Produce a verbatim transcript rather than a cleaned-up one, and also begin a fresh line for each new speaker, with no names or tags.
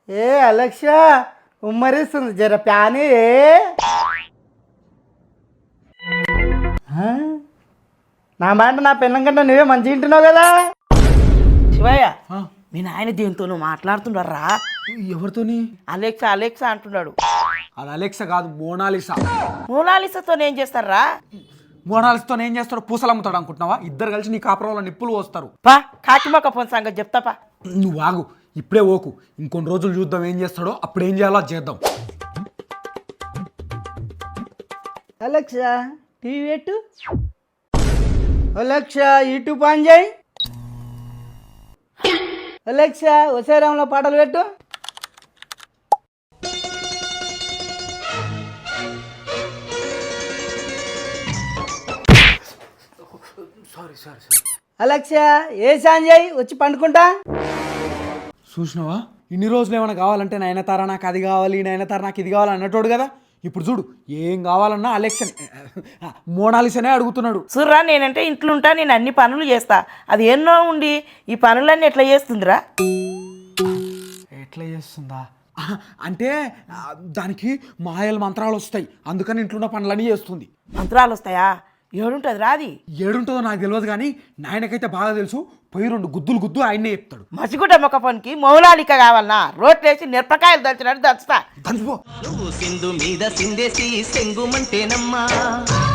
ఏ Alexa ఉమ్మరిస్తుంది జర ప్యాని నా మాట నా పిల్లం కంటే నువ్వే మంచిగా వింటున్నావు కదా.
శివయ్య మీ నాయన దీంతో నువ్వు మాట్లాడుతున్నారా?
ఎవరితోని?
అలెక్సా అలెక్సా అంటున్నాడు.
అది అలెక్సా కాదు, మోనాలిసా.
మోనాలిసాతో ఏం చేస్తారా?
మోనాలిసాతో ఏం చేస్తాడు? పూసలు అమ్ముతాడు అనుకుంటున్నావా? ఇద్దరు కలిసి నీ కాపురంలో నిప్పులు పోస్తారు.
పా కాకిమొక్క ఫోన్ సంగతి చెప్తాపా.
నువ్వు ఆగు, ఇప్పుడే ఓకు. ఇంకొన్ని రోజులు చూద్దాం ఏం చేస్తాడో, అప్పుడు ఏం చేయాలో అది చేద్దాం.
అలెక్సా టీవీ పెట్టు. అలెక్సా యూట్యూబ్ ఆన్ చేయి. అలెక్సా వసేరాంలో పాటలు పెట్టు.
సారీ సారీ సారీ
అలెక్సా ఏ సాన్ చేయి వచ్చి పండుకుంటా.
చూసినావా, ఇన్ని రోజులు ఏమైనా కావాలంటే నయనతార నాకు అది కావాలి, నయనతార నాకు ఇది కావాలి అన్నట్టు కదా. ఇప్పుడు చూడు, ఏం కావాలన్నా అలెక్సా మోనాలిసానే అడుగుతున్నాడు.
సుర్రా నేనంటే ఇంట్లో ఉంటా, నేను అన్ని పనులు చేస్తా. అది ఎన్నో ఉండి ఈ పనులన్నీ ఎట్లా చేస్తుందిరా?
ఎట్లా చేస్తుందా అంటే దానికి మాయల మంత్రాలు వస్తాయి, అందుకని ఇంట్లో ఉన్న పనులన్నీ చేస్తుంది.
మంత్రాలు వస్తాయా? ఏడుంటుంది రాది?
ఏడుంటుందో నాకు తెలియదు కానీ నాయనకైతే బాగా తెలుసు. పోయి రెండు గుద్దులు గుద్దు ఆయనే చెప్తాడు.
మసిగుడ్డ మొక్క పనికి మౌలాలిక కావాలన్నా రోట్లేసి మిరపకాయలు దంచినట్టు దంచుతా.
దంచిపో.
సింధు మీద సిందేసి సెంగుమంటేనమ్మా